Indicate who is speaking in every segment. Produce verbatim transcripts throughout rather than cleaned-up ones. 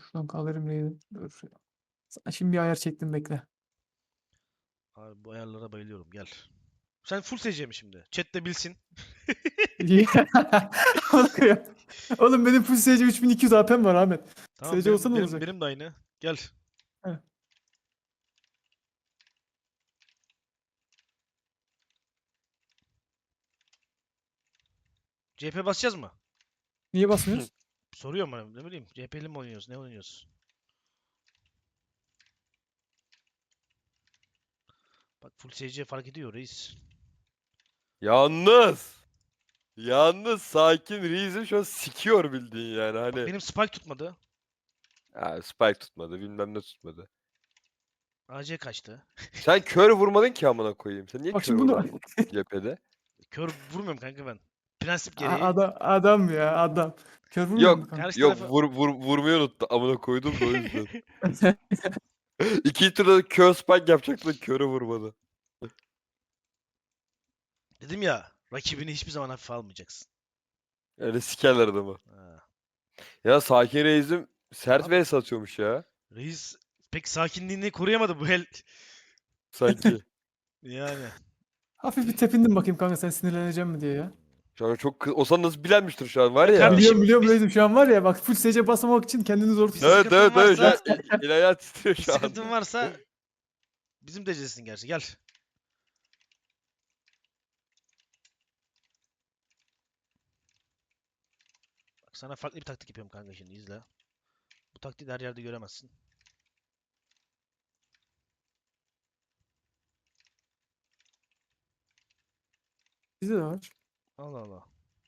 Speaker 1: Şuradan kaldırayım neydi? Dur. Sana şimdi bir ayar çektim bekle.
Speaker 2: Abi bu ayarlara bayılıyorum. Gel. Sen full S C mi şimdi? Chat de bilsin.
Speaker 1: Oğlum Oğlum benim full S C üç bin iki yüz A P'm var Ahmet.
Speaker 2: Tamam
Speaker 1: S C olsa
Speaker 2: benim
Speaker 1: ne
Speaker 2: benim
Speaker 1: olacak?
Speaker 2: benim de aynı. Gel.
Speaker 1: Heh.
Speaker 2: C P basacağız mı?
Speaker 1: Niye basmıyoruz?
Speaker 2: Soruyorum bana. Ne bileyim. C P'li mi oynuyoruz? Ne oynuyoruz? Bak full S C fark ediyor reis.
Speaker 3: Yalnız. Yalnız sakin Reis'im şu an sikiyor bildiğin yani
Speaker 2: Bak
Speaker 3: hani.
Speaker 2: benim spike tutmadı.
Speaker 3: Ya spike tutmadı bilmem ne tutmadı.
Speaker 2: A C kaçtı.
Speaker 3: Sen kör vurmadın ki amına koyayım. Sen niye
Speaker 1: Bak
Speaker 3: kör
Speaker 1: şimdi bunu
Speaker 3: vurmadın cephede?
Speaker 2: Kör vurmuyorum kanka ben. Prensip
Speaker 1: A-
Speaker 2: gereği.
Speaker 1: adam, adam ya adam. Kör vurmuyor mu
Speaker 3: Yok
Speaker 1: kanka?
Speaker 2: Karşı
Speaker 3: yok
Speaker 2: tarafa...
Speaker 3: vur, vur, vurmayı unuttu amına koydum da o yüzden. İkinci turda kör spike yapacaktı da körü vurmadı.
Speaker 2: Dedim ya. Rakibini hiçbir zaman hafife almayacaksın.
Speaker 3: Öyle sikerler adamı.
Speaker 2: Ha.
Speaker 3: Ya sakin Reis'im sert
Speaker 2: Abi
Speaker 3: vs atıyormuş ya.
Speaker 2: reis pek sakinliğini koruyamadı bu el.
Speaker 3: Sanki.
Speaker 2: Yani.
Speaker 1: Hafif bir tepindim bakayım kanka sen sinirleneceğim mi diye ya.
Speaker 3: Şu an çok kı- o sana nasıl bilenmiştir şu an var
Speaker 2: Ya
Speaker 3: ya.
Speaker 2: kardeşim
Speaker 1: Biliyorum biliyorum
Speaker 2: biz
Speaker 1: reisim şu an var ya bak full S C basamamak için kendini zor
Speaker 2: bir
Speaker 1: tutuyor.
Speaker 3: Evet
Speaker 2: sıkıntın
Speaker 3: evet evet. Şu an
Speaker 2: varsa
Speaker 3: el, el ayağı titriyor
Speaker 2: bir
Speaker 3: şu an.
Speaker 2: sıkıntın varsa bizim decesin gerçi. Gel. Bak sana farklı bir taktik yapıyorum kanka şimdi izle. Bu taktiği de her yerde göremezsin.
Speaker 1: Bizde de var.
Speaker 2: Allah Allah.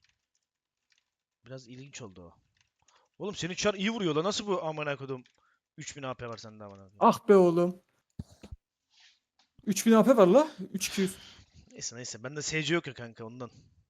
Speaker 2: Biraz ilginç oldu o. Oğlum senin çar iyi vuruyor la. Nasıl bu amına kodum? üç bin A P var sende amına kodum.
Speaker 1: Ah be oğlum. üç bin A P var la. üç bin iki yüz.
Speaker 2: Neyse neyse. Bende S C yok ya kanka ondan.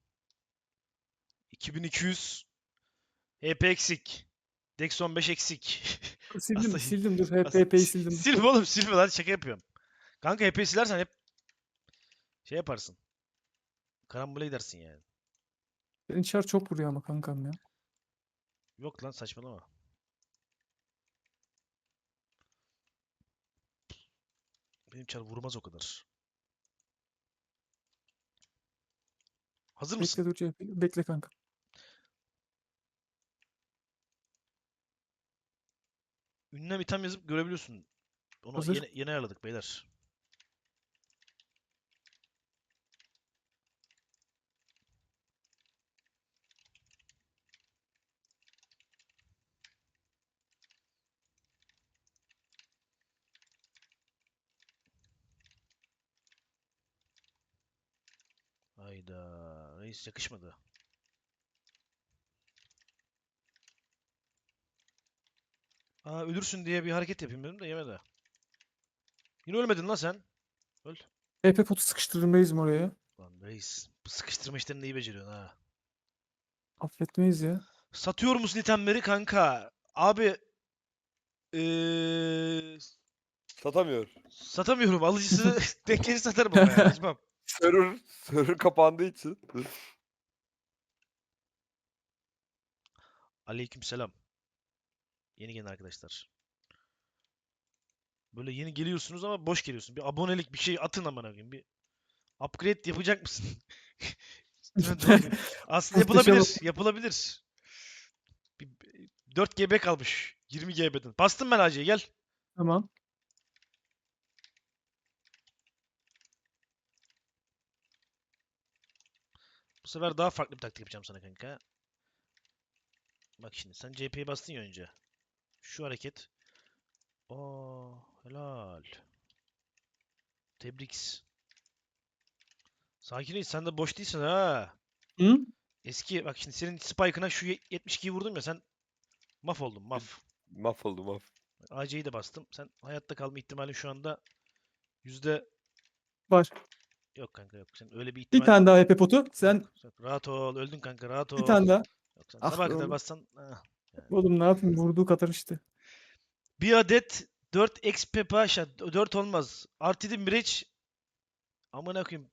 Speaker 2: iki bin iki yüz. H P eksik. Dex on beş eksik.
Speaker 1: Sildim
Speaker 2: Aslında,
Speaker 1: sildim dur.
Speaker 2: aslında
Speaker 1: H P'yi sildim.
Speaker 2: silme oğlum silme lan şaka yapıyorum. Kanka H P'yi silersen hep şey yaparsın. Karambole gidersin yani.
Speaker 1: Senin çar çok vuruyor ama kankam ya.
Speaker 2: Yok lan saçmalama. Benim çar vurmaz o kadar. Hazır mısın?
Speaker 1: Bekle dur C H P. Bekle kanka.
Speaker 2: Ünlem item yazıp görebiliyorsun. Onu
Speaker 1: Hazır.
Speaker 2: yeni, yeni ayarladık beyler. Hayda. Reis yakışmadı. Aa ölürsün diye bir hareket yapayım dedim de yemedi. Yine ölmedin lan sen. Öl.
Speaker 1: H P potu sıkıştırırım reisim oraya.
Speaker 2: Lan reis. Bu sıkıştırma işlerini iyi beceriyorsun ha.
Speaker 1: Affetmeyiz ya.
Speaker 2: Satıyor musun itemleri kanka? Abi ee,
Speaker 3: Satamıyor.
Speaker 2: satamıyorum. Alıcısı denk gelir satarım ama yani acımam.
Speaker 3: Server, server kapandığı için.
Speaker 2: Aleykümselam. Yeni gelen arkadaşlar. Böyle yeni geliyorsunuz ama boş geliyorsun. Bir abonelik bir şey atın amına koyayım. Bir upgrade yapacak mısın? Aslında
Speaker 1: Muhteşem.
Speaker 2: yapılabilir. Yapılabilir. Bir, dört G B kalmış. yirmi G B'den. Bastım ben Hacı'ya gel.
Speaker 1: Tamam.
Speaker 2: Bu sefer daha farklı bir taktik yapacağım sana kanka. Bak şimdi sen C P'ye bastın ya önce. Şu hareket. Aa, helal. Tebrik. Sakin ol, sen de boş değilsin ha.
Speaker 1: Hı?
Speaker 2: Eski bak şimdi senin spike'ına şu ye- yetmiş ikiyi vurdum ya sen maf oldun maf.
Speaker 3: Mahvoldum maf.
Speaker 2: A C'yi de bastım. Sen hayatta kalma ihtimalin şu anda yüzde
Speaker 1: Var.
Speaker 2: yok kanka yok. Sen öyle bir
Speaker 1: Bir
Speaker 2: ihtimal
Speaker 1: tane daha H P potu.
Speaker 2: yok.
Speaker 1: Sen
Speaker 2: Yok. Rahat ol. Öldün kanka rahat
Speaker 1: bir
Speaker 2: ol.
Speaker 1: tane daha.
Speaker 2: Yok sen
Speaker 1: Ah
Speaker 2: sabaha
Speaker 1: be
Speaker 2: kadar
Speaker 1: oğlum.
Speaker 2: bassan ah, yani.
Speaker 1: Oğlum ne yapayım vurduğu kadar işte.
Speaker 2: Bir adet dört X P paşa dört olmaz. Artı bir Mirage amına koyayım.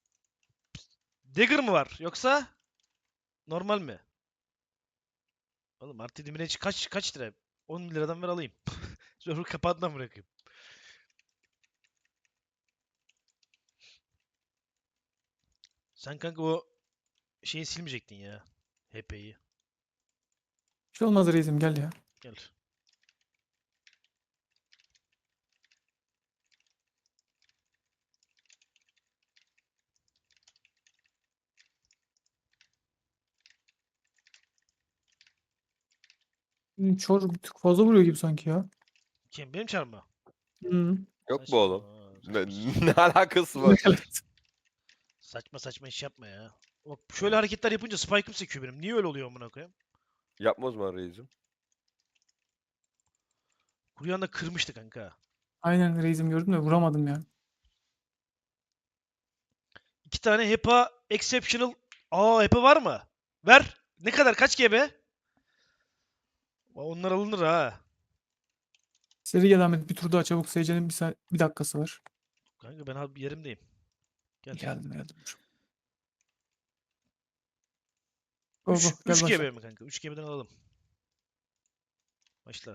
Speaker 2: Dagger mı var yoksa normal mi? Oğlum artı yedi Mirage kaç kaç lira? on liradan ver alayım. Sonra kapağından bırakayım. Sen kanka o şeyi silmeyecektin ya. H P'yi.
Speaker 1: Bir şey olmaz reisim, gel ya.
Speaker 2: Gel.
Speaker 1: Hmm, Çor bir tık fazla vuruyor gibi sanki ya.
Speaker 2: Kim? Benim çarım mı?
Speaker 1: Hı.
Speaker 3: Yok
Speaker 2: Saçma,
Speaker 3: mu oğlum?
Speaker 2: saçma,
Speaker 3: Ne, ne alakası var?
Speaker 1: Evet.
Speaker 2: saçma saçma iş yapma ya. Bak şöyle hareketler yapınca spike'ım sekiyor benim. Niye öyle oluyor amına koyayım?
Speaker 3: Yapma o zaman reisim.
Speaker 2: Kuryan da kırmıştı kanka.
Speaker 1: Aynen reisim, gördüm de vuramadım ya.
Speaker 2: İki tane HEPA exceptional. Aa HEPA var mı? Ver. Ne kadar? Kaç G B? Aa, onlar alınır ha.
Speaker 1: Seri gel Ahmet, bir tur daha çabuk. S C'nin bir, sa- bir dakikası var.
Speaker 2: Kanka ben abi yerimdeyim. Gel.
Speaker 1: Geldim geldim. Go
Speaker 2: üç,
Speaker 1: go gel
Speaker 2: 3
Speaker 1: başla.
Speaker 2: GB mi kanka? üç G B'den alalım. Başla.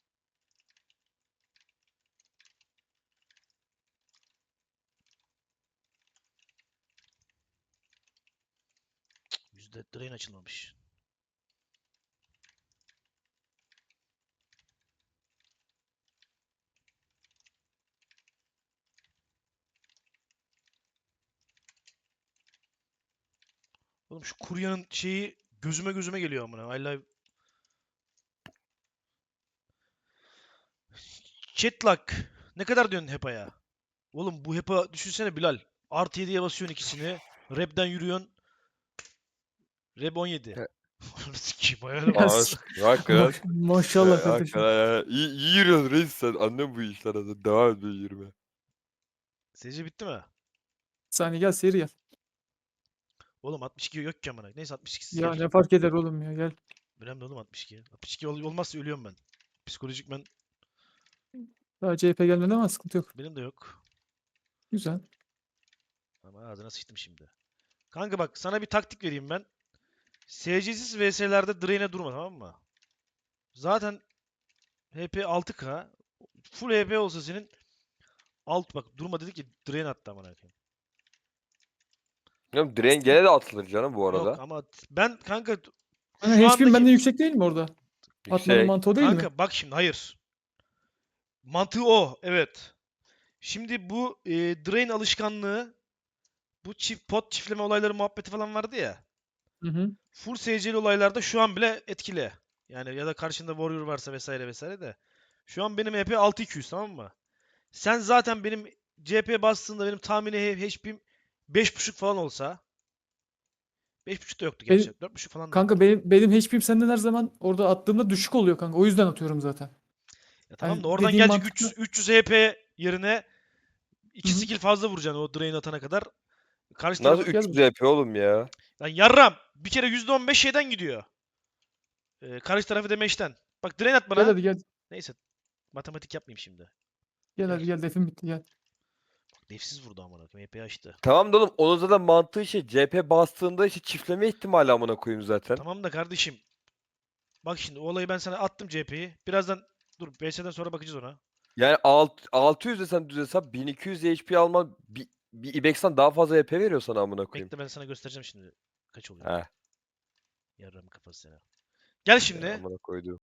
Speaker 2: Yüzde drain açılmamış. Oğlum şu kuryanın şeyi gözüme gözüme geliyor amına. I love... Chatlock. Ne kadar diyorsun HEPA'ya? Oğlum bu HEPA düşünsene Bilal. Artı yediye basıyorsun ikisini. Rap'den yürüyorsun. Rap on yedi.
Speaker 3: He.
Speaker 2: Ananı sikeyim hayal
Speaker 1: Ya,
Speaker 2: var.
Speaker 3: Aa,
Speaker 1: s-
Speaker 3: hakikaten.
Speaker 1: maş- maşallah
Speaker 3: Ee,
Speaker 1: kardeşim.
Speaker 3: hakikaten. İyi, iyi yürüyorsun reis sen. Annem bu işlere de. Devam et böyle yürüme.
Speaker 2: S C bitti mi?
Speaker 1: Bir saniye, gel seri gel.
Speaker 2: Oğlum altmış iki yok ki amına. Neyse altmış ikisiz
Speaker 1: Ya
Speaker 2: gel.
Speaker 1: ne fark eder oğlum ya, gel.
Speaker 2: Önemli oğlum altmış iki. altmış iki ol- olmazsa ölüyorum ben. Psikolojik ben
Speaker 1: Daha C H P gelmedi ama sıkıntı yok.
Speaker 2: benim de yok.
Speaker 1: Güzel.
Speaker 2: Ama ağzına sıçtım şimdi. Kanka bak sana bir taktik vereyim ben. S C'siz V S'lerde drain'e durma, tamam mı? Zaten H P altı K. Full H P olsa senin alt bak durma dedi ki drain attı amına koyayım.
Speaker 3: Oğlum direğin gene de atılır canım bu
Speaker 2: Yok
Speaker 3: arada.
Speaker 2: ama t- ben kanka
Speaker 1: Hani
Speaker 2: şu
Speaker 1: H P'm benden
Speaker 2: andaki
Speaker 1: yüksek değil mi orada? Atmanın
Speaker 3: Yüksek.
Speaker 1: mantığı o değil mi?
Speaker 2: kanka bak şimdi hayır. Mantığı o, evet. Şimdi bu e, drain alışkanlığı, bu çift pot çiftleme olayları muhabbeti falan vardı ya.
Speaker 1: Hı hı.
Speaker 2: Full S C'li olaylarda şu an bile etkili. Yani ya da karşında warrior varsa vesaire vesaire de. Şu an benim H P altı iki yüz, tamam mı? Sen zaten benim C H P bastığında benim tahmini H P'm beş buçuk falan olsa. beş buçuk da yoktu
Speaker 1: Benim,
Speaker 2: gerçi. dört buçuk falan da.
Speaker 1: kanka benim, benim H P'm senden her zaman orada attığımda düşük oluyor kanka. O yüzden atıyorum zaten.
Speaker 2: Ya tamam
Speaker 1: Yani
Speaker 2: da oradan
Speaker 1: dediğim
Speaker 2: gelecek
Speaker 1: mantıklı.
Speaker 2: üç yüz, üç yüz H P yerine
Speaker 1: Hı
Speaker 2: iki
Speaker 1: hı.
Speaker 2: skill fazla vuracaksın o drain atana kadar. Karşı
Speaker 3: Nasıl
Speaker 2: tarafı...
Speaker 1: Gel
Speaker 3: üç yüz
Speaker 1: bakayım.
Speaker 3: H P oğlum ya?
Speaker 2: Lan yarram! Bir kere yüzde on beş şeyden gidiyor. Ee, karşı tarafı damage'den. Bak drain at
Speaker 1: Gel
Speaker 2: bana.
Speaker 1: hadi gel.
Speaker 2: Neyse. Matematik yapmayayım şimdi.
Speaker 1: Gel
Speaker 2: Gel.
Speaker 1: hadi gel, defim bitti, gel.
Speaker 2: Defsiz vurdu amına koyayım. H P açtı.
Speaker 3: Tamam da oğlum onun zaten mantığı şey C H P bastığında işte çiftleme ihtimali amına koyayım zaten.
Speaker 2: Tamam da kardeşim. Bak şimdi o olayı ben sana attım C H P'yi. Birazdan dur B S'den sonra bakacağız ona.
Speaker 3: Yani alt, altı yüz desen düz hesap bin iki yüz H P alman bir, bir Ibex'ten daha fazla H P veriyor sana amına koyayım.
Speaker 2: Bekle ben sana göstereceğim şimdi kaç oluyor.
Speaker 3: He.
Speaker 2: Yarram kafası sana. Gel
Speaker 3: Ya
Speaker 2: şimdi.
Speaker 3: amına koyduğum.